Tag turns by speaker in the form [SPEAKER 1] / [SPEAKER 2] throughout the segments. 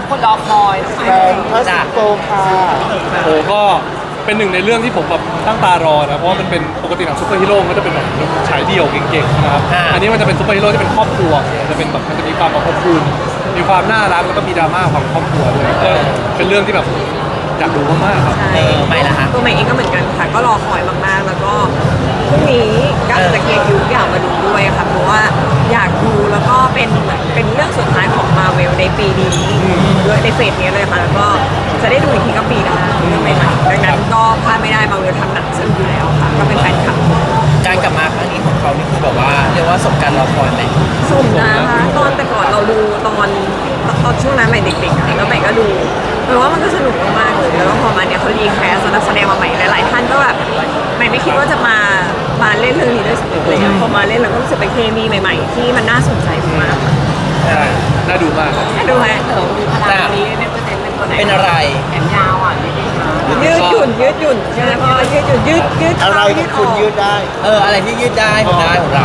[SPEAKER 1] คนรอคอย
[SPEAKER 2] แฟนพัสโกค่ะ
[SPEAKER 3] โอ้ก็เป็นหนึ่งในเรื่องที่ผมแบบตั้งตารอนะเพราะว่ามันเป็นปกติหนังซูเปอร์ฮีโร่ก็จะเป็นแบบฉายเดี่ยวเก่งๆนะครับอันนี้มันจะเป็นซูเปอร์ฮีโร่ที่เป็นครอบครัวจะเป็นแบบมันจะมีความแบบอบอุ่นมีความน่ารักแล้วก็มีดราม่าของครอบครัวด้วยก็เป็นเรื่องที่แบบอยากดูมากๆครับ
[SPEAKER 4] ใช่ไม่ละตัวใหม่เองก็เหมือนกันค่ะก็รอคอยมากๆแล้วก็พรุ่งนี้กะจะเคลียร์คิวอยากมาดูด้วยค่ะเพราะว่าอยากดูแล้วก็เป็นเรื่องสุดท้ายของมาเวลในปีนี้ด้วยในเฟสนี้เลยค่ะแล้วก็จะได้ดูอีกทีก็ปีหน้าเรื่องใหม่ๆดังนั้นก็พลาดไม่ได้มาเวลทำหนังซึ่งอยู่แล้วค่ะก็เป็นแฟนคลับ
[SPEAKER 5] การกลับมาครั้งนี้ของเขานี่คือแบบว่าเรียกว่าสมการรอคอยไหม
[SPEAKER 4] สมนะคะตอนแต่ก่อนเราดูตอนช่วงนั้นใหม่เด็กๆแล้วใหม่ก็ดูแปลว่ามันก็สนุกมากๆเลยแล้วก็พอมาเนี่ยเขารีแคสนักแสดงมาใหม่หลายๆท่านก็แบบใหม่ไม่คิดว่าจะมาเล่นเรื่องนี้ด้วยซ้ำเลยพอมาเล่นเราก็รู้สึกเป็นเคมีใหม่ๆที่มันน่าสนใจมาก
[SPEAKER 3] ใช่น่าดูมาก
[SPEAKER 4] น่าดูไหม
[SPEAKER 1] มีพลังนี้เป็นเปอร์เซ็นต์เป็นตัวไหน
[SPEAKER 5] เป็นอะไร
[SPEAKER 1] แขนยาวอ่ะนี่เองนะ
[SPEAKER 4] ยืดหยุ่นใช่ไหมพ่อยืดหยุ่นยืด
[SPEAKER 2] อะไรก็คุณยืดได้
[SPEAKER 5] อะไรที่ยืดได้ของเรา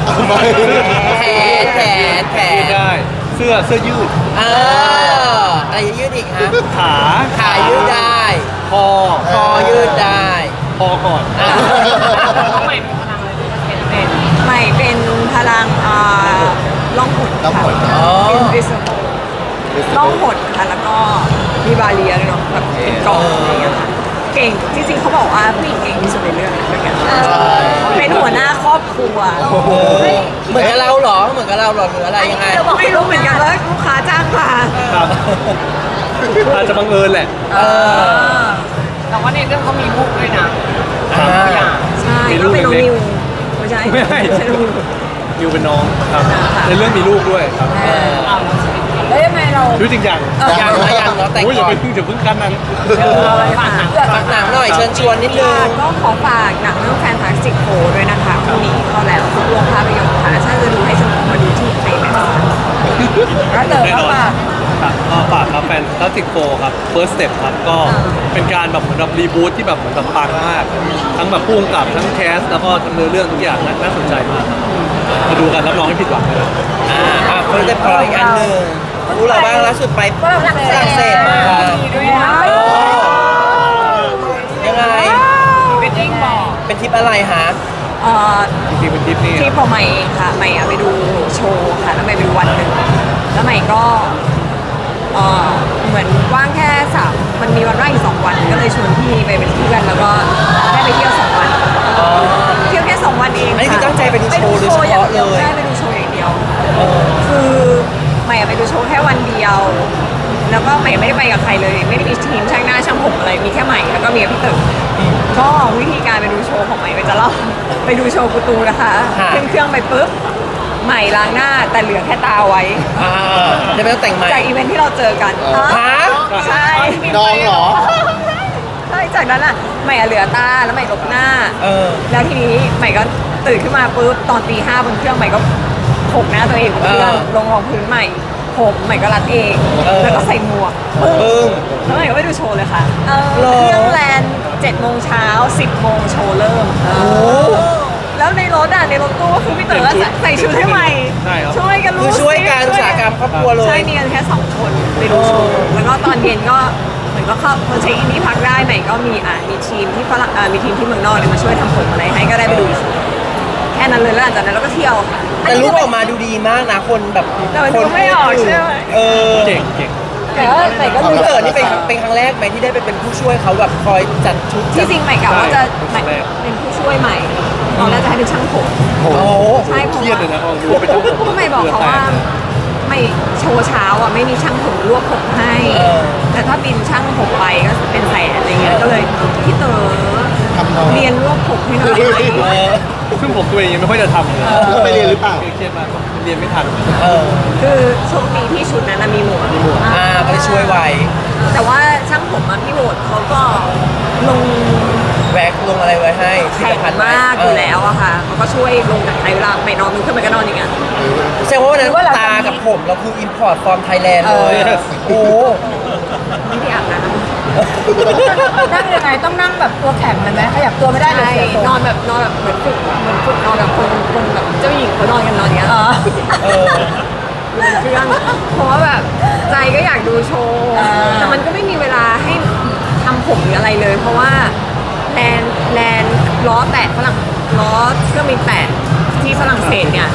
[SPEAKER 5] แขน
[SPEAKER 3] ได้เสื้อยืด
[SPEAKER 5] อะไรยืดอีกฮะ
[SPEAKER 3] ขา
[SPEAKER 5] ยืดได้
[SPEAKER 3] คอ
[SPEAKER 5] ยืดได้
[SPEAKER 3] คอก่อน
[SPEAKER 1] ใหม่เป็นพลังอะไรที่เป็น
[SPEAKER 4] ใหม่เป็นพลังล่องหนค่ะinvisible ล่องหนค่ะแล้วก็มีบาเรียด้วยเนาะแบบเป็นกล่องอะไรอย่างเงี้ยค่ะเก่งจริงๆเขาบอกว่าผู้หญิงเก่งที่สุดในเรื่องด้วยกันเป็นหัวหน้าครอบครัว
[SPEAKER 5] เหมือนกับเราหรอหรืออะไรยังไง
[SPEAKER 4] ไม่รู้เหมือนกันว่าลูกค้าจ้างมา
[SPEAKER 3] ครับอาจจะบังเอิญแหละ
[SPEAKER 1] แต่ว่าในเรื่องเขามีลูกด้วยนะ
[SPEAKER 4] ใช่ก็เป็นน้องนิวไม่ใช่
[SPEAKER 3] นิวเป็นน้องครับในเรื่องมีลูกด้วยครับ
[SPEAKER 4] แล้วยังไงเรา
[SPEAKER 3] ดูจริงอย่าง
[SPEAKER 5] เราแต่ง
[SPEAKER 3] อย่าเพิ่งขั้นนั้น
[SPEAKER 5] ฝากหนังหน่อยเชิญชวนนิดนึง
[SPEAKER 4] ก็ขอฝากหนังเรื่อง Fantastic Four ด้วยนะคะพรุ่งนี้เข้าแล้วทุกโรงภาพยนตร์ค่ะถ้าจะดูให้สนุกมาดูที่ไทยแม็กซ์แล้วเจอก็ฝาก
[SPEAKER 3] ฝากครับแฟนตาติกโฟครับ First Step ครับก็เป็นการแบบเหมือนแบบรีบูทที่แบบเหมือนแบบปังมากทั้งแบบพุ่งกับทั้งแคสแล้วก็ทั้งเนื้อเรื่องทุกอย่างน่าสนใจมากมาดูกันรับรองไม่ผิดหวังเลย
[SPEAKER 5] เพิ่งได้ปล่อยอันหนึ่งรู้อะไรบ้างล่าสุดไปฝรั่งเศสมา
[SPEAKER 4] ด้วยนะ
[SPEAKER 5] ยังไง
[SPEAKER 1] เป็นยิ่งบอก
[SPEAKER 5] เป็นทริปอะไรฮะ
[SPEAKER 3] จริงๆเป็นทริปนี่
[SPEAKER 4] ที่ผมใหม่เองค่ะใหม่ไปดูโชว์ค่ะแล้วใหม่ไปดูวันหนึ่งแล้วใหม่ก็เหมือนว่างแค่มันมีวันว่างอีก2 วันก็เลยชวนพี่ไปเป็นเพื่อนแล้วก็ได้ไปเที่ยว2 วันเที่ยวแค่2 วันเอง
[SPEAKER 5] อันนี้คือตั้งใจไปดูโชว์โดยเฉพาะเลย
[SPEAKER 4] ใช่ไปดูโชว์อย่างเดียวคือใหม่ไปดูโชว์แค่วันเดียวแล้วก็ใหม่ไม่ได้ไปกับใครเลยไม่ได้มีทีมช่างหน้าช่างผมอะไรมีแค่ใหม่แล้วก็มีพี่ตึกก็วิธีการไปดูโชว์ของใหม่ไปจะเล่าไปดูโชว์กูตูนะคะขึ้นเครื่องไปปุ๊บใหม่ล้างหน้าแต่เหลือแค่ตาไว้
[SPEAKER 5] จะไม่ต้องแต่งใหม่
[SPEAKER 4] จากอีเวนท์ที่เราเจอกันใช่
[SPEAKER 2] น้องเหรอ
[SPEAKER 4] ใช่จากนั้นอ่ะใหม่เหลือตาแล้วใหม่ลบหน้าแล้วทีนี้ใหม่ก็ตื่นขึ้นมาปุ๊บตอนตี 5บนเครื่องใหม่ก็โขกหน้าตัวเองบนเครื่องลงรองพื้นใหม่ผมใหม่ก็รัดเองแล้วก็ใส่หมวกแล้วใหม่ก็ไปดูโชว์เลยค่ะเครื่องแลนด์7 โมงเช้า10 โมงโชว์เริ่มแล้วในรถตู้ก็คือพี่เต๋อใส่ชุดให้ใหม่ช่วยกันรู้
[SPEAKER 5] ช่วยการอุตสาหกรรมครอบครัวเลย
[SPEAKER 4] ใช่มีกันแค่2 คนไปดูโชว์แล้วก็ตอนเย็นก็เหมือนก็เข้าคนเช็คอินที่พักได้ใหม่ก็มีทีมที่ฝรั่งมีทีมที่เมืองนอกมาช่วยทำผมอะไรให้ก็ได้ไปดูแค่นั้นเลยแล้วหลังจากนั้นเราก็เที่ยวค่ะ
[SPEAKER 5] แต่รูปออกมาดูดีมากนะคนแบบ
[SPEAKER 4] คนไม่ออกใช่ไหม
[SPEAKER 3] เก่ง
[SPEAKER 4] แต่ก็
[SPEAKER 5] พี่เต๋อนี่เป็นครั้งแรกไหมที่ได้ไปเป็นผู้ช่วยเขาแบบคอยจัดชุด
[SPEAKER 4] ที่จริงใหม่กะว่าจะเป็นผู้ช่วยใหม่ตอนแรกจะให้เป็นช่างผมใช่
[SPEAKER 3] เครียดเลยนะ
[SPEAKER 4] เป็นช่างผมใหม่บอกเขาว่าไม่โชว์เช้าไม่มีช่างผมรวบผมให้แต่ถ้าบินช่างผมไปก็เป็นแสนอะไรเงี้ยก็เลยพี่เต๋อเรียนรวบผมให้หน่อย
[SPEAKER 3] ซึ่งผมตัวเองยังไม่ค่อยจะทำเลย
[SPEAKER 2] แล้วไปเรียนหรือเปล่า
[SPEAKER 3] เครียดมากเรียนไม่ทัน
[SPEAKER 4] คือโชคดีที่ชุดนั้นมีหมวก
[SPEAKER 5] ก็เลยช่วยไว้
[SPEAKER 4] แต่ว่าช่างผมพี่โหวตเขาก็ลง
[SPEAKER 5] แวกลงอะไรไว้ให้
[SPEAKER 4] แข็งมากอยู่แล้วอะค่ะเขาก็ช่วยลงจากไทยเวลาไม่นอนมึงขึ้นไปก็นอนอย่างเงี้ย
[SPEAKER 5] แสดงว่าวันนั้นตากับผมเราคือ import from Thailand เลยโอ้
[SPEAKER 4] ไม่ได้อาบน้ำ
[SPEAKER 1] นั่งยังไงต้องนั่งแบบตัวแข็งเลยไหมขยับตัวไม่ได้เลย
[SPEAKER 4] นอนแบบเหมือนฝึกนอนแบบคนแบบเจ้าหญิงเขานอนกันนอนอย่างเงี้ยอยู่บนเครื่องเพราะว่าแบบใจก็อยากดูโชว์แต่มันก็ไม่มีเวลาให้ทำผมหรืออะไรเลย เพราะว่าแลนล้อแตะฝรั่งล้อเครื่องบินแตะที่ฝรั่งเศสเนี่ย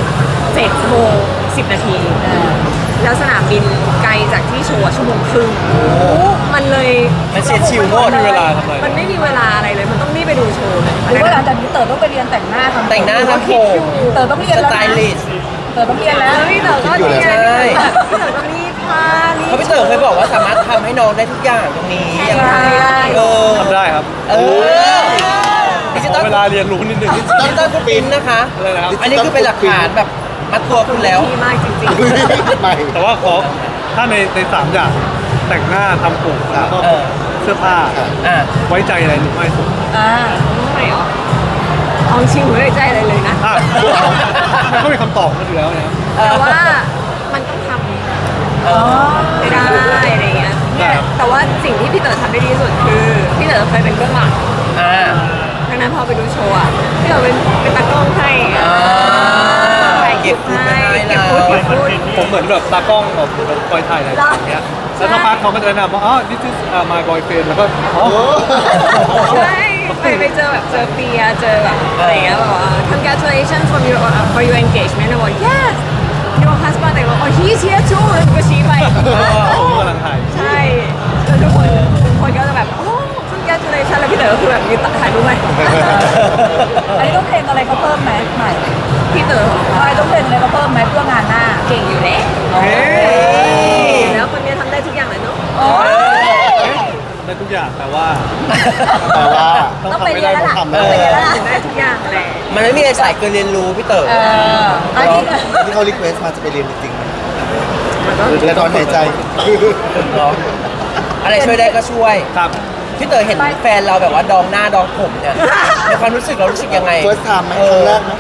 [SPEAKER 4] 7 ชั่วโมง 10 นาที แล้วสนามบินไกลจากที่โชว์1 ชั่วโมงครึ่งมันเลย
[SPEAKER 5] มันเสียชิวโมด
[SPEAKER 3] ไม่มีเวลาทำอะไร
[SPEAKER 4] มันไม่มีเวลาอะไรเลย มันต้องรีบไปดูโชว์เลย
[SPEAKER 1] หรือว่าหลังจากนี้เต๋อต้องไปเรียนแต่งหน้าทำ
[SPEAKER 5] แต่งหน้าทำผม
[SPEAKER 1] เต๋อต้องเรียน
[SPEAKER 5] ส
[SPEAKER 1] แล้ว
[SPEAKER 5] ไต
[SPEAKER 1] นะ
[SPEAKER 5] ลิสต์
[SPEAKER 1] เต๋อต้องเรียนแล้ว
[SPEAKER 4] แล้วพี่เต๋อก็เรียน
[SPEAKER 5] ใช่
[SPEAKER 4] พี่เต๋อก็รีดผ้ารีด
[SPEAKER 5] เพราะพี่เต๋อเคยบอกว่าสามารถทำให้น้องได้ทุกอย่างตรงนี้
[SPEAKER 4] ใช่
[SPEAKER 5] เออ
[SPEAKER 3] ทำได้ครับ
[SPEAKER 5] เออดิจิ
[SPEAKER 3] ข
[SPEAKER 5] ตอ
[SPEAKER 3] อ
[SPEAKER 5] ล
[SPEAKER 3] เวลาเรียนรู้นิดนึง
[SPEAKER 5] ดิจิตอลฟุตปรินท์นะคะ
[SPEAKER 3] อะไรนะครับ
[SPEAKER 5] อันนี้คือเป็นหลักฐานแบบมัดตัวคุณแล้ว
[SPEAKER 4] ดีมากจริง
[SPEAKER 2] ใหม่
[SPEAKER 3] แต่ว่าถ้าใน3 อย่างแต่งหน้าทำผมแล้วก็
[SPEAKER 5] เออ
[SPEAKER 3] เสื้อผ้า
[SPEAKER 5] อ่ะ
[SPEAKER 3] ไว้ใจอะไรหรือไม่สุด
[SPEAKER 1] อ่า
[SPEAKER 4] ๆไม่หรอเอาจริงไม่ได้ใจอะไรเลยนะ
[SPEAKER 3] อ่ะมันก็มีคำตอบมาอยู่แล้วนะครับ
[SPEAKER 4] แต่ว่ามันต้องทำ
[SPEAKER 5] เออ
[SPEAKER 4] ไม่ได้อะไรเงี้ย
[SPEAKER 3] ได้ครับ
[SPEAKER 4] แต่ว่าสิ่งที่พี่เต๋อทำได้ดีที่สุดคือพี่เต๋อเคยเป็นเบื้องหลัง
[SPEAKER 5] อ่า
[SPEAKER 4] ดังนั้นพอไปดูโชว์อ่ะพี่เต๋อเป็นตากล้องให้
[SPEAKER 5] อ่า
[SPEAKER 4] ถ่ายคลิปให้เก็บฟุตเก็บฟุต
[SPEAKER 3] ผมเหมือนแบบตากล้องแบบคอยถ่ายอะไรอย่างเงี้ยแล้วสักพักเขาก็จะแนะนำว่าอ๋อ this is my boyfriend แล้วก็อ๋อ
[SPEAKER 4] ใช่ไปเจอแบบเจอเปียเจอแบบอะไรเงี้ยแบบว่า congratulations for your engagement แล้วบอก yes your husband แต่ว่า oh he's here too แล้วก็ชี้ไป
[SPEAKER 3] ผมกำลังถ่าย
[SPEAKER 4] ใช่แล้วทุกคนก็จะแบบโอ้ congratulations แล้วพี่เต๋อก็คือแบบยืนถ่ายรูปไหม
[SPEAKER 1] อันนี้ต้องเพลงอะไรเขาเพิ่มไหมใหม่
[SPEAKER 4] พี่เต๋อ
[SPEAKER 1] อะไรต้องเพลงอะไรเขาเพิ่มไหมเพื่องานหน้า
[SPEAKER 4] เก่งอยู่แล้ว
[SPEAKER 3] เฮ้ย
[SPEAKER 4] แล้วคนนี้ทำได้ทุกอย่างเลยเนาะ
[SPEAKER 3] ได้ทุกอย่างแต่ว่า
[SPEAKER 2] แต่ว่า
[SPEAKER 3] ต้องทำไม่ได้ต้องทำ
[SPEAKER 2] ต้องไปเรียนแล้วล่ะ
[SPEAKER 4] ได้ทุกอย่างแหละ
[SPEAKER 5] มันไม่มีอะไรสายเกินเรียนรู้พี่เต๋อ
[SPEAKER 1] อันนี้
[SPEAKER 2] ที่เขารีเควสมาจะไปเรียนจริงๆไหมและตอนหายใจ
[SPEAKER 5] เนาะอะไรช่วยได้ก็ช่วย
[SPEAKER 3] ครับ
[SPEAKER 5] พี่เต๋อเห็นแฟนเราแบบว่าดองหน้าดองผมเนี่ยในความรู้สึกเรารู้สึกยังไง
[SPEAKER 2] first time ไหมครั้งแรกไหม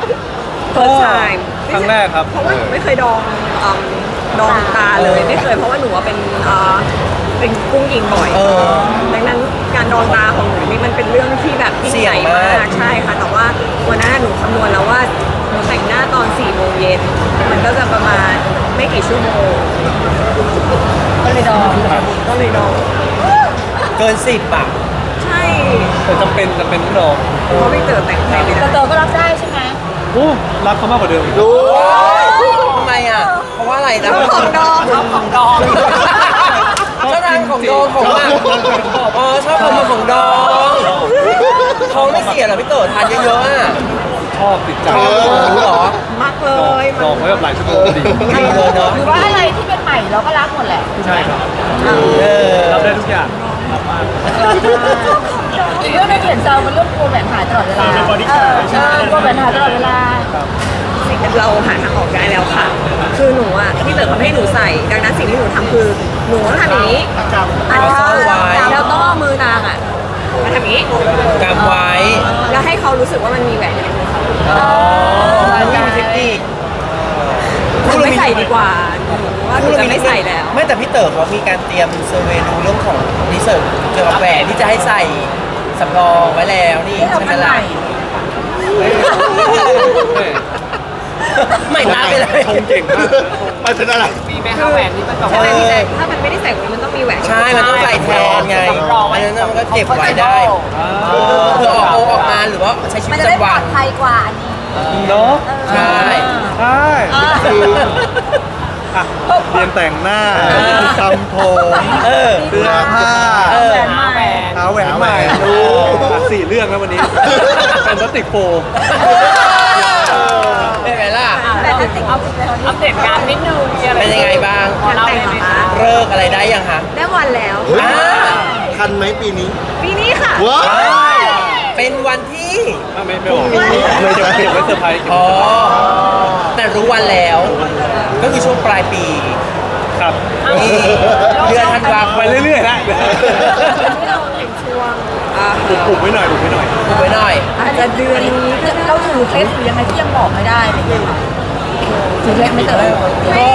[SPEAKER 4] first time
[SPEAKER 3] ครั้งแรกครับ
[SPEAKER 4] เพราะว่าหนูไม่เคยดองตาเลยไม่เคยเพราะว่าหนูว่าเป็นกุ้งยิงบ่อย
[SPEAKER 5] เออ
[SPEAKER 4] ดังนั้นการดองตาของหนูนี่มันเป็นเรื่องที่แบบยิ่งใหญ่
[SPEAKER 5] เสี่ยงมาม
[SPEAKER 4] าก กใช่ค่ะแต่ว่าวันนั้นหนูคำนวณแล้วว่าหนูแต่งหน้าตอน4 โมงเย็นมันก็จะประมาณไม่กี่ชั่วโมง
[SPEAKER 1] ก็เลยดอง
[SPEAKER 4] ก็เลยดอง
[SPEAKER 5] เกิน10อ่ะ
[SPEAKER 4] ใช่
[SPEAKER 3] แต่จำเป็นต้องลอง
[SPEAKER 4] เพราะพี่เต๋อแต่งให้ไม่
[SPEAKER 1] แต่
[SPEAKER 4] ได้
[SPEAKER 1] เต๋อก็รับได้ใช่ไหม
[SPEAKER 3] โอ้รักเขามากกว่าเดิมอีก
[SPEAKER 2] รู้
[SPEAKER 5] ทำไมอ่ะ เพราะว่าอะไรนะ
[SPEAKER 4] ของดองเอาของดอง
[SPEAKER 5] ชอบทานของดองของอ่ะอ๋อชอบของดองท้องไม่เสียเหรอพี่เต๋อทานเยอะๆอ่ะ
[SPEAKER 3] ชอบติดใจ
[SPEAKER 5] ชอบรู้เหรอ
[SPEAKER 4] มักเล
[SPEAKER 3] ลอง
[SPEAKER 4] ย
[SPEAKER 3] ลองไว้แบบหลายชั่วโมงก็ดี
[SPEAKER 5] ดีเลยเนาะ
[SPEAKER 1] หรือว่าอะไรที่เป็นใหม่เราก็รับหมดแหละ
[SPEAKER 3] ใช่ครับ
[SPEAKER 5] เออ
[SPEAKER 3] รับได้ทุกอย่างรับมาก
[SPEAKER 1] เรื่องในเขียนเซลมันเรื่องกลัวแหวนหายตลอดเวลาใช่กลัวแหวนหายตลอดเวลา
[SPEAKER 4] เราหาทางออกได้แล้วค่ะ คือหนูอ่ะพี่เต๋อเขาไม่ให้หนูใส่ ดังนั้นสิ่งที่หนูทำคือหนูต้องทำอย่างนี้อันนี้แล้วต้องเอามือนางอ่ะมาทำอย่างนี้
[SPEAKER 5] กำไว้
[SPEAKER 4] แล้วให้เขารู้สึกว่ามันมีแหวนอยู่ในมือเขา
[SPEAKER 5] ไม่มีเทคนิค
[SPEAKER 4] หนูไม่ใส่ดีกว่าหนูว่าหนูจะไม่ใส่แล้ว
[SPEAKER 5] ไม่แต่พี่เต๋อเขามีการเตรียมเซอร์เวย์ดูเรื่องของรีเสิร์ชเกี่ยวกับแหวนที่จะให้ใส่สำรองไว้แล้วนี่
[SPEAKER 1] ที่เรา
[SPEAKER 5] ใช่ไหม
[SPEAKER 1] เป็นให
[SPEAKER 5] ล่ะ
[SPEAKER 1] ม่
[SPEAKER 5] ไม่ตามไปเลย
[SPEAKER 3] ชงเก่งมาก
[SPEAKER 2] ไปเป็นอะไร
[SPEAKER 4] ใช่ไหมพี่แจ๊คถ้ามันไม่ได้ใส่แหวนมันต้องมีแหวน
[SPEAKER 5] ใช่ มันต้องใส่แทนไงอันนั้นมันก็เก็บไว้ได้เพื่อออกงานหรือว่าใช้ชีวิ
[SPEAKER 1] มัน
[SPEAKER 5] ต
[SPEAKER 1] จะ
[SPEAKER 5] ประ
[SPEAKER 1] ได้
[SPEAKER 5] จำ
[SPEAKER 1] ปล
[SPEAKER 5] วั
[SPEAKER 1] อน ดภัยกว่าอันนี้
[SPEAKER 3] เนาะ
[SPEAKER 5] ใช่
[SPEAKER 3] ใช่อ่ะเรียนแต่งหน้าทำผม
[SPEAKER 5] เออ
[SPEAKER 3] เสื้อผ้า
[SPEAKER 5] เออ
[SPEAKER 3] หาแหวนใหม่ดูอ่ะ4 เรื่องแล้ววันนี้แฟนตาติกโฟ
[SPEAKER 5] เป็นไงล่ะ
[SPEAKER 1] แต่ถ้าติดเอาติดเลย
[SPEAKER 4] อัปเดตงานนิดนึงมีอะไร
[SPEAKER 5] เป็นยังไงบ้าง
[SPEAKER 4] งานแต่งเหรอคะ
[SPEAKER 5] เลิกอะไรได้ยังคะ
[SPEAKER 4] ได้วันแล้ว
[SPEAKER 5] อ่า
[SPEAKER 2] ทันไหมปีนี้
[SPEAKER 4] ปีนี้ค่ะ
[SPEAKER 2] ว้าว
[SPEAKER 5] เป็นวันที่
[SPEAKER 3] ไม่บอกเลยจะเก็บไว้เซอร์ไพรส์
[SPEAKER 5] อ๋อ แต่รู้วันแล้ว ก็คือช่วงปลายปี
[SPEAKER 3] ครับ
[SPEAKER 5] นี่เดือนธันวาค
[SPEAKER 3] ไป
[SPEAKER 5] ม
[SPEAKER 3] เรื่อยๆนะ
[SPEAKER 4] ที่เราถึงช่วง
[SPEAKER 3] ปลุกไว้หน่อยปลุกไว้หน่อย
[SPEAKER 5] ดูไว้หน่อย
[SPEAKER 4] อาจจะเดือนนี้ก็ได้
[SPEAKER 1] เราถือเคล็ดหรือยังไงที่ยังบอกไม่ได้อะไรอย่างเงี้ยค่ะถือเคล็ดไม่เต๋อ
[SPEAKER 3] ก็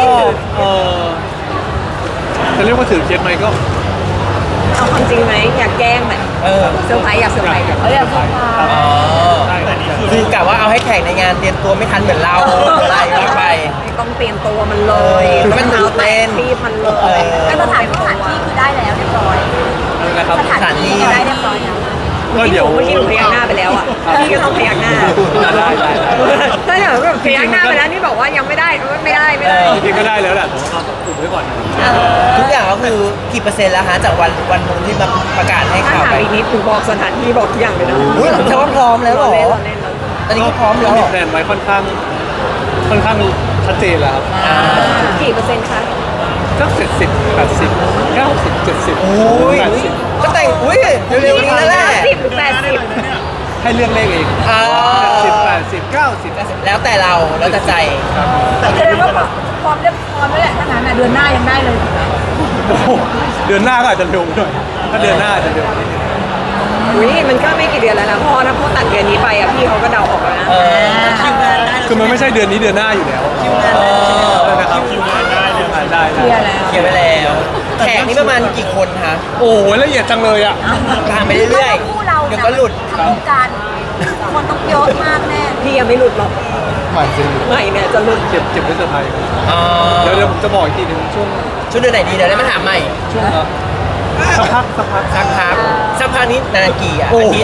[SPEAKER 3] จะเรียกว่าถือเคสไหมก็
[SPEAKER 4] เอาความจริงไหมอยากแกล้งไหม
[SPEAKER 5] เออ
[SPEAKER 4] เซอร์ไพรส์อยากเซอร์ไพรส์
[SPEAKER 1] เขาอยากพูดมา
[SPEAKER 5] อ๋อ
[SPEAKER 3] ใช่
[SPEAKER 5] คือกะว่าเอาให้แข่งในงานเตรียมตัวไม่ทันเหมือนเราอะไรว่าไป
[SPEAKER 4] ไม่ต้องเตรียมตัวมันเลย
[SPEAKER 5] มันตื่นเต้น
[SPEAKER 4] รีบมันเลย
[SPEAKER 1] แต่สถานที่คือได้แล้วเรียบร้อย
[SPEAKER 3] นะครับ
[SPEAKER 1] สถานที่ได้เรียบร้อยแล้ว
[SPEAKER 3] ก็เดี๋ยว
[SPEAKER 4] เมื่อกี้หนูพยักหน้าไปแล้วอ่ะพี่ก็ต้องพยักหน้า
[SPEAKER 3] ได้
[SPEAKER 4] ถ้าเดี๋ยวแบบพยักหน้าไปแล้วนี่บอกว่ายังไม่ได้ไม่ได้
[SPEAKER 3] จริงๆก็ได้แล้วแหละผมเอาอุบไว้ก่อน
[SPEAKER 5] ทุกอย่างก็คือกี่เปอร์เซ็นต์แล้วฮะจากวันนู้นที่มาประกาศให้
[SPEAKER 4] ถ้า
[SPEAKER 5] ข่าว
[SPEAKER 4] ถาม
[SPEAKER 5] ไป
[SPEAKER 4] อีกนิดหนูบอกสถานที่บอกทุกอย่างเลยนะ
[SPEAKER 5] อุ้ยแต่ว่าพร้อมแล้วเหรอ
[SPEAKER 4] เล่น
[SPEAKER 5] ตอนนี้ก็พร้อมแล้ว
[SPEAKER 3] มี
[SPEAKER 5] เหรอ
[SPEAKER 3] แผนไว้ค่อนข้างชัดเจนแล้วครับ
[SPEAKER 4] กี่เปอร์เซ็นต์คะ
[SPEAKER 3] สัก70 80 90 70
[SPEAKER 5] โอ้ย
[SPEAKER 3] 80
[SPEAKER 5] ก็แต่งอุ้ยเร็วๆนี้แล้วแหละ
[SPEAKER 4] 10หรือ80
[SPEAKER 3] ให้เลือกเลขเอง
[SPEAKER 5] อ่า
[SPEAKER 3] 70 80 90
[SPEAKER 5] แล้วแต่เราแล้วแต่ใจ
[SPEAKER 1] แสดงว่าพร้อมเรียบพร้อมแล้วแหละถ้างั้นเดือนหน้ายังได้เลยถูกไหม
[SPEAKER 3] โอ้โหเดือนหน้าก็อาจจะเร็วหน่อยถ้าเดือนหน้าอาจจะเร็วนิดนึง
[SPEAKER 4] อุ้ยมันก็ไม่กี่เดือนแล้วนะพ่อถ้าพ่อตัดเดือนนี้ไปอ่ะพี่เขาก็เดาออกแล้วนะ
[SPEAKER 3] คือมันไม่ใช่เดือนนี้เดือนหน้าอยู่แล้วนะครับคิวงานได้ได้
[SPEAKER 1] เคลียร์แล้ว
[SPEAKER 5] เขียนไปแล้วแขกนี่ประมาณกี่คนคะ
[SPEAKER 3] โอ้โหละเอียดจังเลยอ่ะ
[SPEAKER 5] ตามไปเรื่อย
[SPEAKER 1] คู่เรา
[SPEAKER 5] ๆเดี๋ยวก็หลุด
[SPEAKER 1] ทำวงการคนต้องเยอะมากแน่
[SPEAKER 4] พี่ยังไม่หลุดหรอก
[SPEAKER 2] หมายถึง
[SPEAKER 4] ใหม่เนี่ยจะหลุด
[SPEAKER 3] เก็บไว้เซอร์ไพรส์
[SPEAKER 5] อ๋อ
[SPEAKER 3] เดี๋ยวผมจะบอกอีกทีหนึงช่วง
[SPEAKER 5] ชุดเดือนไหนดีเดี๋ยวได้มาถามใหม่
[SPEAKER 3] สักพัก
[SPEAKER 5] สักพักนี้นานกี่อ่ะ
[SPEAKER 3] โอ้
[SPEAKER 5] อา
[SPEAKER 3] โห
[SPEAKER 5] ทิตย์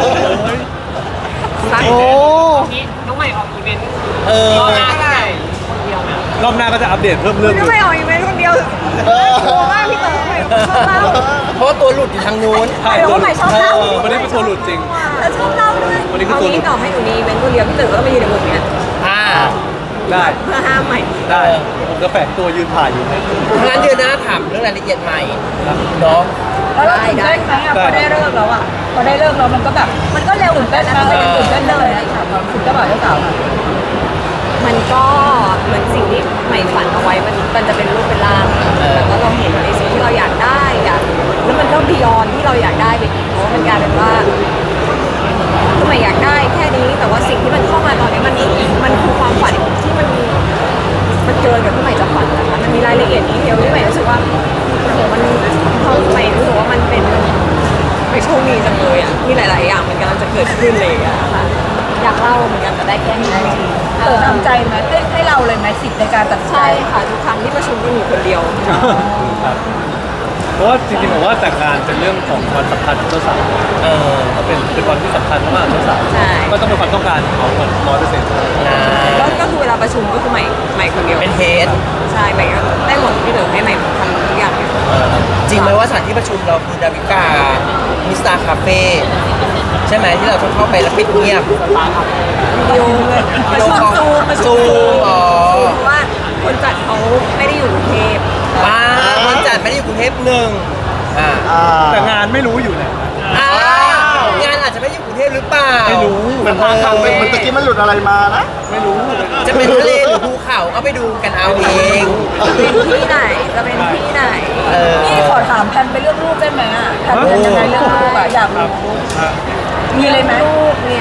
[SPEAKER 3] โอ้
[SPEAKER 4] น้องใหม่ออกอีเวนต์
[SPEAKER 5] เออ
[SPEAKER 3] รอบหน้าก็จะอัปเดตเพิ่ม
[SPEAKER 4] คุ
[SPEAKER 3] เรื่อ
[SPEAKER 4] ณ
[SPEAKER 3] ง
[SPEAKER 4] ก็
[SPEAKER 3] เล
[SPEAKER 4] ไม่
[SPEAKER 3] ย
[SPEAKER 4] ออกอีเวนต์คนเดียวกลัวมากพี่เต๋อชอบเล่า
[SPEAKER 5] เพราะว่าตัวหลุดอยู่ทางนู้น
[SPEAKER 3] ใช่ตัวหลุดวันนี้เป็นตัวหลุดจริง
[SPEAKER 1] แล้วชอบเล่าด้วย
[SPEAKER 3] วันนี้คือ
[SPEAKER 4] เอา
[SPEAKER 3] ตัวหลุ
[SPEAKER 4] งี้
[SPEAKER 3] ด
[SPEAKER 4] ต่อให้หนูมีอีเวนต์คนเดียวพี่เต๋อก็ต้องมายืนในมุมเนี้ย
[SPEAKER 5] อ่า
[SPEAKER 3] ได้
[SPEAKER 4] เพื่อห้ามใหม่
[SPEAKER 3] ได้ผมจะแฝงตัวยืนถ่ายอยู่
[SPEAKER 5] งั้นเดือนหน้าถามเรื่องรายละเอียดใหม่เนาะ
[SPEAKER 1] แล้วเราตื่นเต้นไหมอ่ะพอได้เลิกแล้วอ่ะพอได้เลิกแล้วมันก็แบบมันก็เร็วตื่นเต้นนะมันยังตื่นเต้นเลยนะถามความคุณเจ้าบ่าวเจ้าสาว
[SPEAKER 4] มันก็เหมือนสิ่งที่ใหม่ฝันเอาไว้มันจะเป็นรูปเป็นร่างแล้วก็เราเห็นในสิ่งที่เราอยากได้แล้วมันก็บียอนที่เราอยากได้ไปอีกเพราะว่ามันกลายเป็นว่าคือใหม่อยากได้แค่นี้แต่ว่าสิ่งที่มันเข้ามาตอนนี้มันคือความฝันที่มันเกินกับที่ใหม่จะฝันนะคะมันมีรายละเอียดดีเทลที่ใหม่รู้สึกว่าโอ้โหมันเข้าใหม่รู้สึกว่ามันเป็นไม่โชคดีจังเลยอ่ะที่หลาย ๆ อย่างมันกำลังจะเกิดขึ้นเลยอะค่ะอยากเล่าเหมือนกันแต่ได้แค่นี้จริงๆ
[SPEAKER 1] ทำใจไหมให้เราเลยไหมสิทธิ์ในการตัดสินใจ
[SPEAKER 4] ใช่ค่ะทุกครั้งที่ประชุมก็อยู่คนเดียว
[SPEAKER 3] ครับเพราะว่าจริงๆผมว่าแต่งงานเป็นเรื่องของวันสำคัญของเจ้าสาว
[SPEAKER 5] เออ
[SPEAKER 3] ก็เป็นวันที่สำคัญมากๆเจ้าสาว
[SPEAKER 4] ใช่
[SPEAKER 3] ก็ต้องเป็นความต้องการของเขา100%
[SPEAKER 4] ก็คือเวลาประชุมก็คือใหม่คนเดียว
[SPEAKER 5] เป็นเฮด
[SPEAKER 4] ใช่ใหม่ก็ได้หมดที่เหลือให้ใหม่ทำทุกอย่างเลย
[SPEAKER 5] จริงไหมว่าสถานที่ประชุมเราคือดาวิกามิสตาคาเฟ่ใช่ไหมที่เราต้องเข้าไปแล้วปิดเงียบ
[SPEAKER 4] วิดีโอเลยประชุมซูม
[SPEAKER 5] อ๋อ
[SPEAKER 4] เพราะว่าคนจัดเขาไม่ได้อยู่กรุงเทพ
[SPEAKER 5] คนจัดไม่ได้อยู่กรุงเทพหนึ่งอ่า
[SPEAKER 3] แต่งานไม่รู้อยู่ไหน
[SPEAKER 5] อ้าวงานอาจจะไม่ได้อยู่กรุงเทพหรือเปล่า
[SPEAKER 3] ไม่รู้
[SPEAKER 2] มันทางเป็นมันตะกี้มันหลุดอะไรมานะ
[SPEAKER 3] ไม่รู้
[SPEAKER 5] จะเป็นทะเลหรือภูเขาก็ไปดูกันเอาเอง
[SPEAKER 4] เป็นที่ไหนจะเป็นที่ไหน
[SPEAKER 5] เออ
[SPEAKER 1] นี่ขอถามแพนไปเลือกรูปได้ไหมอ่ะแพนเป็นยังไงเลือกรูปอ่ะอยากรู้มีเลยไหม
[SPEAKER 4] ลูกเนี่ย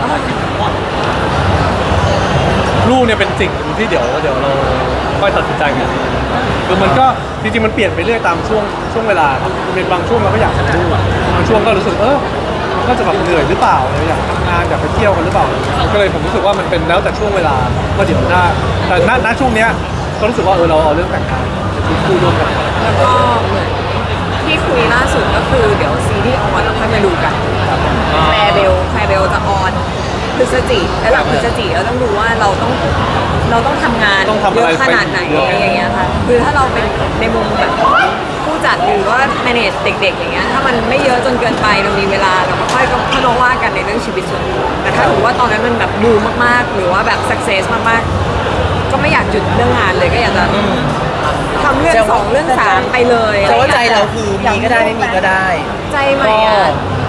[SPEAKER 3] ลูกเนี่ยเป็นสิ่งหนึ่งที่เดี๋ยวเราค่อยตัดสินใจกันคือมันก็จริงๆมันเปลี่ยนไปเรื่อยตามช่วงเวลาครับเป็นบางช่วงเราก็อยากทำลูกบางช่วงก็รู้สึกมันก็จะแบบเหนื่อยหรือเปล่าเราอยากทำงานอยากไปเที่ยวกันหรือเปล่าก็เลยผมรู้สึกว่ามันเป็นแล้วแต่ช่วงเวลาว่าเดี๋ยวถ้าแต่ณช่วงเนี้ยก็รู้สึกว่าเราเอาเรื่องแต่งงานเป็นชีวิตคู่ร่วมกัน
[SPEAKER 4] แล้วก็เหมือนที่คุยล่าสุดก็คือเดี๋ยวซีรีส์ออนเราค่อยมาดูกันแคร์เบลจะออนพฤศจิกและหลังพฤศจิกเราต้องดูว่าเราต้องทำงาน
[SPEAKER 3] ต้องทำ
[SPEAKER 4] เย
[SPEAKER 3] อะไร
[SPEAKER 4] อะขนาดไหน
[SPEAKER 3] เยอะ
[SPEAKER 4] อะไรอย่างเงี้ยค่ะคือถ้าเราเป็นในมุมแบบผู้จัดหรือว่า manage เด็กๆอย่างเงี้ยถ้ามันไม่เยอะจนเกินไปเรามีเวลาเราก็ค่อยมาว่ากันในเรื่องชีวิตส่วนตัวแต่ถ้าถือว่าตอนนั้นมันแบบบูมมากๆหรือว่าแบบ success มากๆก็ไม่อยากหยุดเรื่องงานเลยก็อยากจะทำเรื่อง2เรื่อง3ไปเลย
[SPEAKER 5] แต่ว่าใจเราคือมีก็ได้ไม่มีก็ได้
[SPEAKER 4] ใจใหม่อะ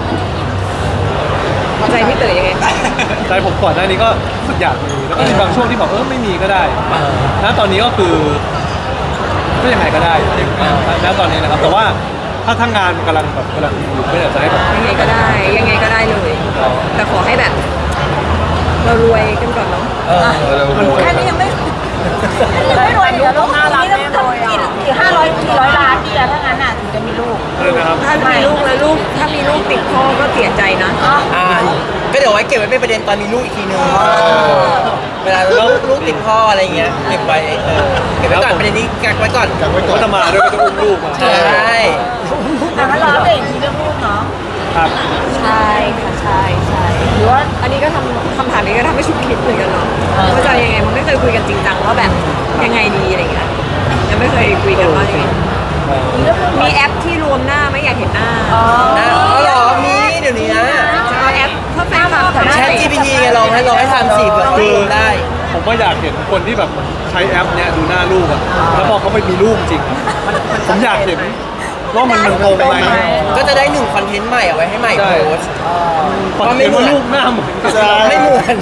[SPEAKER 4] ใจพี่เต๋อยังไง
[SPEAKER 3] ใจผมก่อนหน้านี้ก็รู้สึกอยากมีแล้วก็มีบางช่วงที่แบบไม่มีก็ได้ณตอนนี้ก็คือก็ยังไงก็ได้ณตอนนี้นะครับแต่ว่าถ้าทั้งงานมันกำลังอยู่ก็อยากจะให้แบบ
[SPEAKER 4] ยังไงก็ได้เลย แต่ขอให้แบบ เรารวยกันก่อนเนาะ
[SPEAKER 1] แค่นี้ยังไม่รวยเลยลูก5 ล้านนี่ต้องกี่500 ล้านดีอะถ้างั้นอ่ะถึงจะมีลูก
[SPEAKER 3] นะครับ
[SPEAKER 4] ถ้ามีลูกถ้ามีลูกติดพ่อก็เสียใจนะ
[SPEAKER 5] ก็เดี๋ยวไว้เก็บไว้เป็นประเด็นตอนมีลูกอีกทีนึงเวลาลูกติดพ่ออะไรเงี้ยเก็บไว้เก็บไว้ก่อนประเด็นนี้กักไว้ก่อน
[SPEAKER 3] ก็จะมาด้วยก็จะอุ้มลูกมา
[SPEAKER 5] ใช่
[SPEAKER 1] แต่ถ้าเราเด็กทีเรื่องลูกเนาะ
[SPEAKER 3] ครับ
[SPEAKER 4] ใช่ค่ะใช่หรือว่าอันนี้ก็ทำคำถามนี้ก็ทำให้ชุดคิดเหมือนกันเนาะว่าจะยังไงมันไม่เคยคุยกันจริงจังว่าแบบยังไงดีอะไรเงี้ยยังไม่เคยคุยกันว่ายังไงมีแอปที่รวมหน้าไม่อยากเห็นหน้า
[SPEAKER 5] นะอ๋อเหรอมีเดี๋ยวนี้นะ
[SPEAKER 4] จะเอาแอปเพื่อแฟนคลับ
[SPEAKER 5] แชท GPT ไงลองให้ทำสิเผื่อคุยได้
[SPEAKER 3] ผมว่าอยากเห็นคนที่แบบใช้แอปเนี้ยดูหน้าลูกอะแล้วพอเขาไปมีลูกจริงอะผมอยากเห็นว่ามันงงไหม
[SPEAKER 5] ก็จะได้1 คอนเทนต์ใหม่เอาไว้ให้ใหม่
[SPEAKER 3] ใช่
[SPEAKER 5] โพสต์
[SPEAKER 3] พอเห็นว่าลูกหน้าเหมือนกัน
[SPEAKER 5] ไม่เหมือน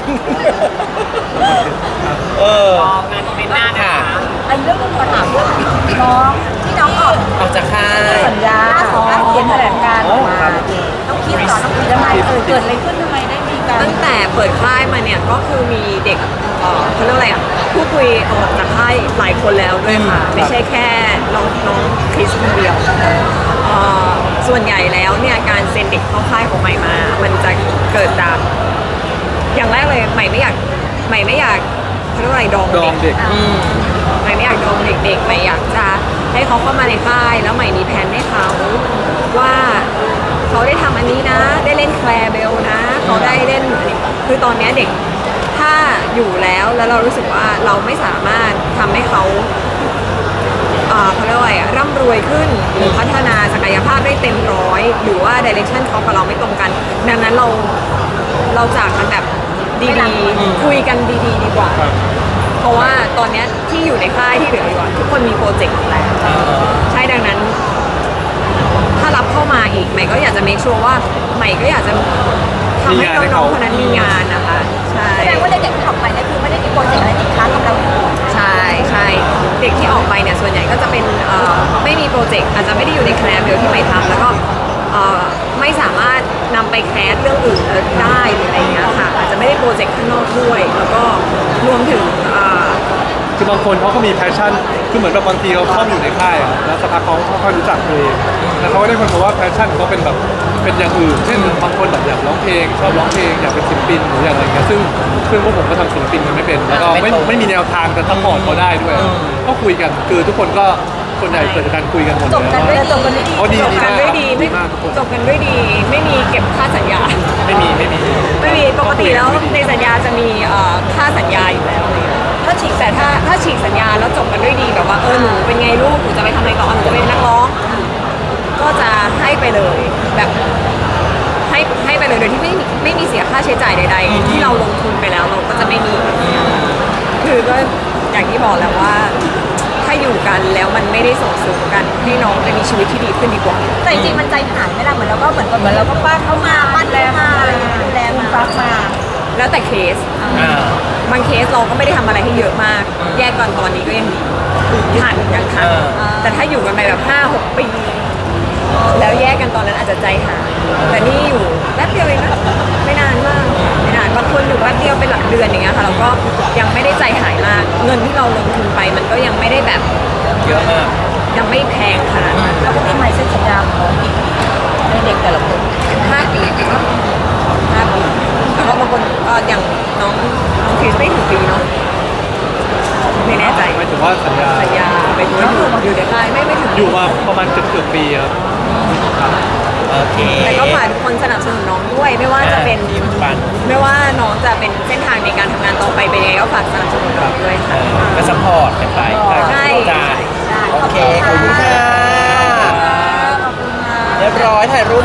[SPEAKER 1] งานเป็นหน้า
[SPEAKER 5] ค่ะ
[SPEAKER 1] อันเรื่องนึงขอถามเรื่องน้องที่น้องออก
[SPEAKER 5] ออกจากค่าย
[SPEAKER 1] สัญญาของเขียนแถลงการออกมาต้องคิดต่อต้องคิดยังไงเกิดอะไรขึ้นทำไมได้มีการ
[SPEAKER 4] ตั้งแต่เปิดค่ายมาเนี่ยก็คือมีเด็กเขาเรียกอะไรอ่ะพูดคุยออกจากค่ายหลายคนแล้วด้วยค่ะไม่ใช่แค่น้องคริสคนเดียวส่วนใหญ่แล้วเนี่ยการเซ็นเด็กเข้าค่ายของใหม่มา มันจะเกิดจากอย่างแรกเลยใหม่ไม่อยากเขาเรียกว่าอะไรดอง
[SPEAKER 3] ดองเด็ก
[SPEAKER 4] ใหม่ไม่อยากดองเด็กๆใหม่อยากจะให้เขาเข้ามาในค่ายแล้วใหม่มีแผนให้เขาว่าเขาได้ทำอันนี้นะ ได้เล่นแคลร์เบลนะเขาได้เล่นคือตอนเนี้ยเด็กถ้าอยู่แล้วเรารู้สึกว่าเราไม่สามารถทำให้เขาเขาเรียกว่าอะไรร่ำรวยขึ้นหรือพัฒนาศักยภาพได้เต็มร้อยหรือว่าดิเรกชันเขากับเราไม่ตรงกัน ดังนั้นเราจากกันแบบดีๆคุยกันดีๆดีกว่า เพราะว่าตอนเนี้ยที่อยู่ในค่ายที่เหลืออยู่อะทุกคนมีโปรเจกต์อยู่แล้วใช่ดังนั้น ถ้ารับเข้ามาอีกใหม่ก็อยากจะ make sure ว่าใหม่ก็อยากจะทำให้น้องๆคนนั้นมีงานนะคะใช่
[SPEAKER 1] แสดงว่าเด็กๆที่ออกไปเนี่ยคือไม่ได้มีโปรเจกต์อะไรติดค้างกับเราอยู่
[SPEAKER 4] ใช่เด็กที่ออกไปเนี่ยส่วนใหญ่ก็จะเป็นไม่มีโปรเจกต์อาจจะไม่ได้อยู่ในแคลร์เบลที่ใหม่ทำแล้วก็ไม่สามารถนำไปแคสเรื่องอื่นได้หรืออะไรเงี้ยค่ะอาจจะไม่ได้โปรเจกต์ข้างนอกด้วยแล้วก็รวมถึง
[SPEAKER 3] คือบางคนเขาก็มีแพชชั่นคือเหมือนแบบบางทีเขาเข้าอยู่ในค่ายอะแล้วสักพักเขาค่อยๆรู้จักตัวเองแล้วเขาก็ได้คนพบว่าแพชชั่นเขาเป็นแบบเป็นอย่างอื่นเช่นบางคนแบบอยากร้องเพลงชอบร้องเพลงอยากเป็นศิลปินหรืออย่างไรเงี้ยซึ่งพวกผมก็ทำศิลปินกันไม่เป็นแล้วก็ไม่มีแนวทางจะซัพพอร์ตเขาได้ด้วยก็คุยกันคือทุกคนก็ส่วนใหญ่เกิดจากการคุยกันหมด
[SPEAKER 1] จบกันด้วยจบกันด้วยดี
[SPEAKER 3] เขาดี
[SPEAKER 4] จบ
[SPEAKER 3] ดี
[SPEAKER 4] กัน
[SPEAKER 3] มาก
[SPEAKER 4] ด้วยดี
[SPEAKER 3] ดีมากทุกคน
[SPEAKER 4] จบกันด้วยดี ไม่มีเก็บค่าสัญญา
[SPEAKER 3] ไม่มี
[SPEAKER 4] ปกติแล้วในสัญญาจะมีค่าสัญญาอยู่แล้วอะไรเงี้ยถ้าฉีกสัญญาแล้วจบกันด้วยดีแบบว่าหนูเป็นไงลูกหนูจะไปทำอะไรต่อหนูจะเป็นนักร้องก็จะให้ไปเลยแบบให้ไปเลยโดยที่ไม่มีเสียค่าใช้จ่ายใดๆที่เราลงทุนไปแล้วเราก็จะไม่มีคือก็อย่างที่บอกแล้วว่าถ้าอยู่กันแล้วมันไม่ได้ส่งเสริมกันให้น้องไปมีชีวิตที่ดีขึ้นดีกว่า
[SPEAKER 1] แต่จริงๆมันใจหายไหมล่ะเหมือนเราก็เหมือนเราก็ปั้นเขามาปั้นแลมาอะไรอย่างเงี้ยดูแลมาฟักมา
[SPEAKER 4] แล้วแต่เคสบางเคสเราก็ไม่ได้ทำอะไรให้เยอะมาก แยกก่อนตอนนี้ก็ยังดีผ่านยังทันแต่ถ้าอยู่กันไปแบบ 5-6 ปี แล้วแยกกันตอนนั้นอาจจะใจหายแต่นี่อยู่แป๊บเดียวเองนะไม่นานมากไม่นานบางคนอยู่แป๊บเดียวเป็นหลักเดือนอย่างเงี้ยค่ะเราก็ยังไม่ได้ใจหายมากเงินที่เราลงทุนไปมันก็ยังไม่ได้แบบ
[SPEAKER 5] เยอะมาก
[SPEAKER 4] ยังไม่แพงขนาดนั้น
[SPEAKER 1] แล้วก็มีใหม่เซ็นสัญญาของในเด็กแต่ละคน
[SPEAKER 4] 5 ปีครับ5 ปีแล้วก็บางคนอย่างน้องคริสไม่ถึงปีเนาะไม่แน่ใจ
[SPEAKER 3] หมายถึงว่าสัญญา
[SPEAKER 4] ไปดูอยู่ในค่ายไม่ถึง
[SPEAKER 3] อยู่มาประมาณเกือบปีครับ
[SPEAKER 5] โอเค
[SPEAKER 4] แต่ก็ฝากทุกคนสนับสนุนน้องด้วยไม่ว่าจะเป็น
[SPEAKER 5] ดีเหมือนกัน
[SPEAKER 4] ไม่ว่าน้องจะเป็นเส้นทางในการทำงานต่อไปเป็นยังไงก็ฝากสนับสนุนน้องด้วยค่ะ
[SPEAKER 5] ก็ซัพพอร์ตกันไป
[SPEAKER 4] ใช่
[SPEAKER 5] จ้าโอเค ขอบคุณค่ะ
[SPEAKER 1] ขอบคุณค่ะ
[SPEAKER 5] เรียบร้อยถ่ายรูป